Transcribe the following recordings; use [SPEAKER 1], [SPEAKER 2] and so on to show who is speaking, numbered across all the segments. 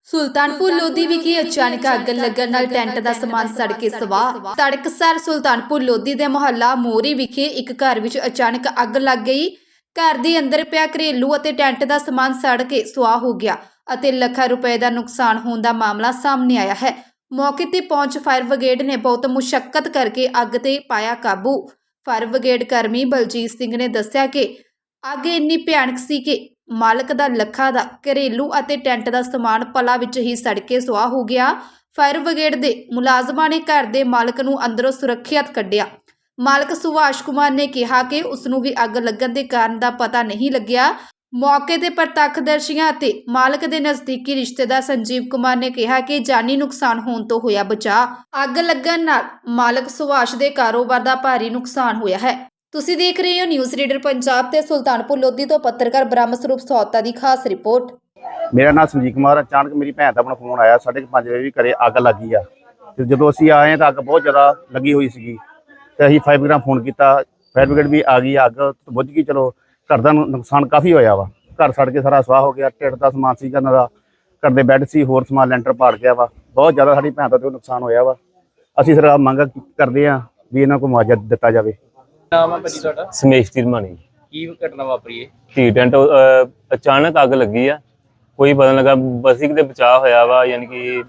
[SPEAKER 1] ਸੁਲਤਾਨਪੁਰ ਲੋਧੀ ਵਿਖੇ ਅਚਾਨਕ ਅੱਗ ਲੱਗਣ ਨਾਲ ਟੈਂਟ ਦਾ ਸਮਾਨ ਸੜ ਕੇ ਸਵਾਹ। ਤੜਕਸਾਰ ਸੁਲਤਾਨਪੁਰ ਲੋਧੀ ਦੇ ਮੁਹੱਲਾ ਮੋਰੀ ਵਿਖੇ ਇੱਕ ਘਰ ਵਿੱਚ ਅਚਾਨਕ ਅੱਗ ਲੱਗ ਗਈ। ਘਰ ਦੇ ਅੰਦਰ ਪਿਆ ਘਰੇਲੂ ਅਤੇ ਟੈਂਟ ਦਾ ਸਮਾਨ ਸੜ ਕੇ ਸੁਆਹ ਹੋ ਗਿਆ ਅਤੇ ਲੱਖਾਂ ਰੁਪਏ ਦਾ ਨੁਕਸਾਨ ਹੋਣ ਦਾ ਮਾਮਲਾ ਸਾਹਮਣੇ ਆਇਆ ਹੈ। ਮੌਕੇ ਤੇ ਪਹੁੰਚ ਫਾਇਰ ਬ੍ਰਿਗੇਡ ਨੇ ਬਹੁਤ ਮੁਸ਼ੱਕਤ ਕਰਕੇ ਅੱਗ ਤੇ ਪਾਇਆ ਕਾਬੂ। ਫਾਇਰ ਬ੍ਰਿਗੇਡ ਕਰਮੀ ਬਲਜੀਤ ਸਿੰਘ ਨੇ ਦੱਸਿਆ ਕਿ ਅੱਗ ਇੰਨੀ ਭਿਆਨਕ ਸੀ ਕਿ ਮਾਲਕ ਦਾ ਲੱਖਾਂ ਦਾ ਘਰੇਲੂ ਅਤੇ ਟੈਂਟ ਦਾ ਸਮਾਨ ਪਲਾਂ ਵਿੱਚ ਹੀ ਸੜ ਕੇ ਸੁਆਹ ਹੋ ਗਿਆ। ਫਾਇਰ ਬ੍ਰਿਗੇਡ ਦੇ ਮੁਲਾਜ਼ਮਾਂ ਨੇ ਘਰ ਦੇ ਮਾਲਕ ਨੂੰ ਅੰਦਰੋਂ ਸੁਰੱਖਿਅਤ ਕੱਢਿਆ। ਮਾਲਕ ਸੁਭਾਸ਼ ਕੁਮਾਰ ਨੇ ਕਿਹਾ ਕਿ ਉਸ ਨੂੰ ਵੀ ਅੱਗ ਲੱਗਣ ਦੇ ਕਾਰਨ ਦਾ ਪਤਾ ਨਹੀਂ ਲੱਗਿਆ। ਮੌਕੇ ਤੇ ਪ੍ਰਤੱਖਦਰਸ਼ੀਆਂ ਅਤੇ ਮਾਲਕ ਦੇ ਨਜ਼ਦੀਕੀ ਰਿਸ਼ਤੇਦਾਰ ਸੰਜੀਵ ਕੁਮਾਰ ਨੇ ਕਿਹਾ ਕਿ ਜਾਨੀ ਨੁਕਸਾਨ ਹੋਣ ਤੋਂ ਹੋਇਆ ਬਚਾਅ। ਅੱਗ ਲੱਗਣ ਨਾਲ ਮਾਲਕ ਸੁਭਾਸ਼ ਦੇ ਕਾਰੋਬਾਰ ਦਾ ਭਾਰੀ ਨੁਕਸਾਨ ਹੋਇਆ ਹੈ। ਤੁਸੀਂ ਦੇਖ ਰਹੇ ਹੋ ਨਿਊਜ਼ ਰੀਡਰ ਪੰਜਾਬ ਤੇ ਸੁਲਤਾਨਪੁਰ ਲੋਧੀ ਤੋਂ ਪੱਤਰਕਾਰ ਬ੍ਰਹਮ ਸਰੂਪ ਸੌਤਾ ਦੀ ਖਾਸ ਰਿਪੋਰਟ।
[SPEAKER 2] ਮੇਰਾ ਨਾਮ ਸੰਜੀਵ ਕੁਮਾਰ। ਅਚਾਨਕ ਮੇਰੀ ਭੈਣ ਦਾ ਆਪਣਾ ਫੋਨ ਆਇਆ 5:30 ਵਜੇ ਵੀ ਘਰੇ ਅੱਗ ਲੱਗੀ ਆ। ਤੇ ਜਦੋਂ ਅਸੀਂ ਆਏ ਤਾਂ ਅੱਗ ਬਹੁਤ ਜ਼ਿਆਦਾ ਲੱਗੀ ਹੋਈ ਸੀਗੀ ਤੇ ਅਸੀਂ ਫਾਇਰ ਬ੍ਰਿਗੇਡ ਫੋਨ ਕੀਤਾ। ਫਾਇਰ ਬ੍ਰਿਗੇਡ ਵੀ ਆ ਗਈ। ਅੱਗ ਬੁੱਝ ਗਈ। ਚਲੋ ਘਰ ਦਾ ਨੁਕਸਾਨ ਕਾਫੀ ਹੋਇਆ ਵਾ। ਘਰ ਸੜ ਕੇ ਸਾਰਾ ਸਵਾਹ ਹੋ ਗਿਆ। ਢਿੱਡ ਦਾ ਸਮਾਨ ਸੀਗਾ ਇਹਨਾਂ ਦਾ, ਘਰ ਦੇ ਬੈੱਡ ਸੀ, ਹੋਰ ਸਮਾਨ ਲੈਂਟਰ ਪਾੜ ਗਿਆ ਵਾ। ਬਹੁਤ ਜ਼ਿਆਦਾ ਸਾਡੀ ਭੈਣ ਦਾ ਤੇ ਨੁਕਸਾਨ ਹੋਇਆ ਵਾ। ਅਸੀਂ ਸਰਕਾਰ ਮੰਗ ਕਰਦੇ ਹਾਂ ਵੀ ਇਹਨਾਂ ਨੂੰ ਮੁਆਵਜ਼ਾ ਦਿੱਤਾ ਜਾਵੇ।
[SPEAKER 3] ਨਾਮ ਹੈ ਭਾਜੀ ਤੁਹਾਡਾ?
[SPEAKER 4] ਸਮੇਸ਼ ਤਿਰਮਾਨੀ।
[SPEAKER 3] ਕੀ ਘਟਨਾ ਵਾਪਰੀ ਹੈ?
[SPEAKER 4] ਧੀ ਟੈਂਟ ਅਚਾਨਕ ਅੱਗ ਲੱਗੀ ਆ। ਕੋਈ ਪਤਾ ਨਹੀਂ ਲੱਗਾ। ਬਸੀ ਕਿਤੇ ਬਚਾਅ ਹੋਇਆ ਵਾ, ਯਾਨੀ ਕਿ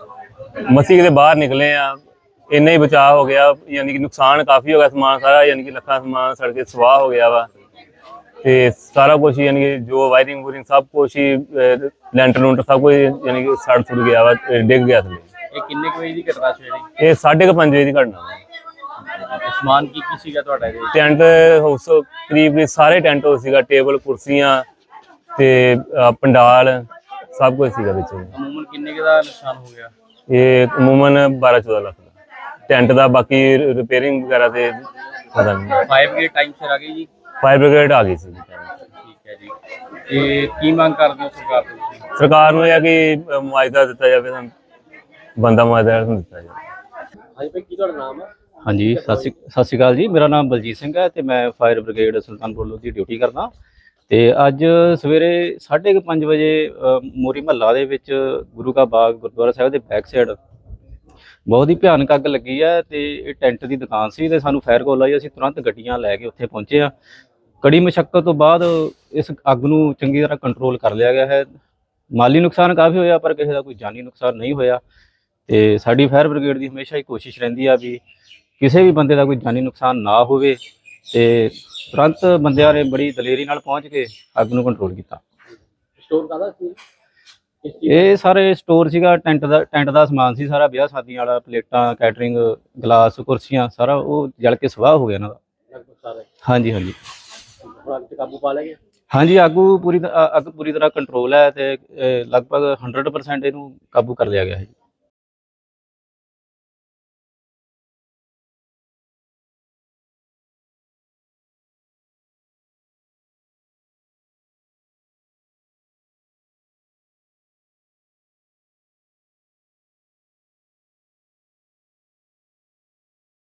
[SPEAKER 4] ਮਸੀ ਕਿਤੇ ਬਾਹਰ ਨਿਕਲੇ ਆ, ਇੰਨਾ ਹੀ ਬਚਾਅ ਹੋ ਗਿਆ। ਯਾਨੀ ਕਿ ਨੁਕਸਾਨ ਕਾਫੀ ਹੋ ਗਿਆ। ਸਮਾਨ ਸਾਰਾ ਯਾਨੀ ਕਿ ਲੱਖਾਂ ਸਮਾਨ ਸੜ ਕੇ ਸਵਾਹ ਹੋ ਗਿਆ ਵਾ। ਤੇ ਸਾਰਾ ਕੁਛ ਯਾਨੀ ਕਿ ਜੋ ਵਾਇਰਿੰਗ ਵੂਰਿੰਗ ਸਭ ਕੁਛ ਹੀ ਲੈਂਟਰ ਲੂੰਟਰ ਸਭ ਕੁਝ ਯਾਨੀ ਕਿ ਸੜ ਸੁੜ ਗਿਆ ਵਾ, ਡਿੱਗ ਗਿਆ ਥੱਲੇ।
[SPEAKER 3] ਇਹ ਕਿੰਨੇ ਕੁ ਵਜੇ ਦੀ ਘਟਨਾ ਸੀ?
[SPEAKER 4] ਇਹ 5:30 ਵਜੇ ਦੀ ਘਟਨਾ ਵਾ।
[SPEAKER 3] ਸਮਾਨ ਕੀ ਸੀਗਾ ਤੁਹਾਡਾ ਇਹਦੇ ਵਿੱਚ?
[SPEAKER 4] ਟੈਂਟ ਹਾਊਸ ਕਰੀਬ ਸਾਰੇ ਟੈਂਟ ਹਾਊਸ ਸੀਗਾ, ਟੇਬਲ ਕੁਰਸੀਆਂ ਤੇ ਪੰਡਾਲ ਸਭ ਕੁਝ ਸੀਗਾ ਵਿੱਚ।
[SPEAKER 3] ਅਮੂਮਨ ਕਿੰਨੇ ਕੁ ਦਾ ਨੁਕਸਾਨ ਹੋ ਗਿਆ?
[SPEAKER 4] ਇਹ ਅਮੂਮਨ 12-14 ਲੱਖ ਦਾ ਟੈਂਟ ਦਾ। ਬਾਕੀ ਰਿਪੇਅਰਿੰਗ ਵਗੈਰਾ ਤੇ ਪਤਾ ਨਹੀਂ।
[SPEAKER 3] ਫਾਇਰ ਬ੍ਰਿਗੇਡ ਟਾਈਮ ਸਿਰ ਆ ਗਈ ਜੀ?
[SPEAKER 4] ਫਾਇਰ ਬ੍ਰਿਗੇਡ ਆ ਗਈ ਸੀ।
[SPEAKER 3] ਠੀਕ ਹੈ ਜੀ। ਤੇ ਕੀ ਮੰਗ ਕਰਦੇ ਹੋ ਸਰਕਾਰ ਤੋਂ ਤੁਸੀਂ?
[SPEAKER 4] ਸਰਕਾਰ ਨੂੰ ਇਹ ਕਿ ਮੁਆਵਜ਼ਾ ਦਿੱਤਾ ਜਾਵੇ, ਸਾਨੂੰ ਬੰਦਾ ਮੁਆਵਜ਼ਾ ਦਿੱਤਾ ਜਾਵੇ।
[SPEAKER 3] ਹਾਂਜੀ ਭਾਈ, ਕੀ ਤੁਹਾਡਾ ਨਾਮ ਹੈ?
[SPEAKER 5] ਹਾਂਜੀ, ਸਤਿ ਸ਼੍ਰੀ ਅਕਾਲ ਜੀ। ਮੇਰਾ ਨਾਮ ਬਲਜੀਤ ਸਿੰਘ ਹੈ ਤੇ ਮੈਂ fire brigade Sultanpur Lodhi duty ਕਰਦਾ। ਤੇ ਅੱਜ ਸਵੇਰੇ 5:30 ਵਜੇ ਮੋਰੀ ਮਹੱਲਾ ਦੇ ਵਿੱਚ ਗੁਰੂ ਕਾ ਬਾਗ ਗੁਰਦੁਆਰਾ ਸਾਹਿਬ ਦੇ ਬੈਕ ਸਾਈਡ ਬਹੁਤ ਹੀ ਭਿਆਨਕ ਅੱਗ ਲੱਗੀ ਹੈ। ਤੇ ਇਹ ਟੈਂਟ ਦੀ ਦੁਕਾਨ ਸੀ ਤੇ ਸਾਨੂੰ ਫਾਇਰ ਕਾਲ ਆਈ। ਅਸੀਂ ਤੁਰੰਤ ਗੱਡੀਆਂ ਲੈ ਕੇ ਉੱਥੇ ਪਹੁੰਚੇ ਆ। ਕੜੀ ਮੁਸ਼ੱਕਤ ਤੋਂ ਬਾਅਦ ਇਸ ਅੱਗ ਨੂੰ ਚੰਗੀ ਤਰ੍ਹਾਂ ਕੰਟਰੋਲ ਕਰ ਲਿਆ ਗਿਆ ਹੈ। ਮਾਲੀ ਨੁਕਸਾਨ ਕਾਫੀ ਹੋਇਆ ਪਰ ਕਿਸੇ ਦਾ ਕੋਈ ਜਾਨੀ ਨੁਕਸਾਨ ਨਹੀਂ ਹੋਇਆ। ਤੇ ਸਾਡੀ ਫਾਇਰ ਬ੍ਰਿਗੇਡ ਦੀ ਹਮੇਸ਼ਾ ਹੀ ਕੋਸ਼ਿਸ਼ ਰਹਿੰਦੀ ਆ ਵੀ ਕਿਸੇ ਵੀ ਬੰਦੇ ਦਾ ਕੋਈ ਜਾਨੀ ਨੁਕਸਾਨ ਨਾ ਹੋਵੇ। ਤੇ ਤੁਰੰਤ ਬੰਦਿਆਂ ਨੇ ਬੜੀ ਦਲੇਰੀ ਨਾਲ ਪਹੁੰਚ ਕੇ ਅੱਗ ਨੂੰ ਕੰਟਰੋਲ ਕੀਤਾ।
[SPEAKER 3] ਸਟੋਰ ਕਾਹਦਾ ਸੀ?
[SPEAKER 5] ਇਹ ਸਾਰੇ ਸਟੋਰ ਸੀਗਾ, ਟੈਂਟ ਦਾ ਸਮਾਨ ਸੀ ਸਾਰਾ, ਵਿਆਹ ਸ਼ਾਦੀਆਂ ਵਾਲਾ, ਪਲੇਟਾਂ, ਕੈਟਰਿੰਗ, ਗਲਾਸ, ਕੁਰਸੀਆਂ, ਸਾਰਾ ਉਹ ਜਲ ਕੇ ਸਵਾਹ ਹੋ ਗਿਆ ਇਹਨਾਂ ਦਾ।
[SPEAKER 3] ਲਗਭਗ ਸਾਰਾ?
[SPEAKER 5] ਹਾਂਜੀ ਹਾਂਜੀ।
[SPEAKER 3] ਅੱਗ ਤੇ ਕਾਬੂ ਪਾ ਲਿਆ ਗਿਆ?
[SPEAKER 5] ਹਾਂਜੀ, ਅੱਗ ਪੂਰੀ ਤਰ੍ਹਾਂ ਕੰਟਰੋਲ ਹੈ ਤੇ ਲਗਭਗ 100% ਇਹਨੂੰ ਕਾਬੂ ਕਰ ਲਿਆ ਗਿਆ ਹੈ।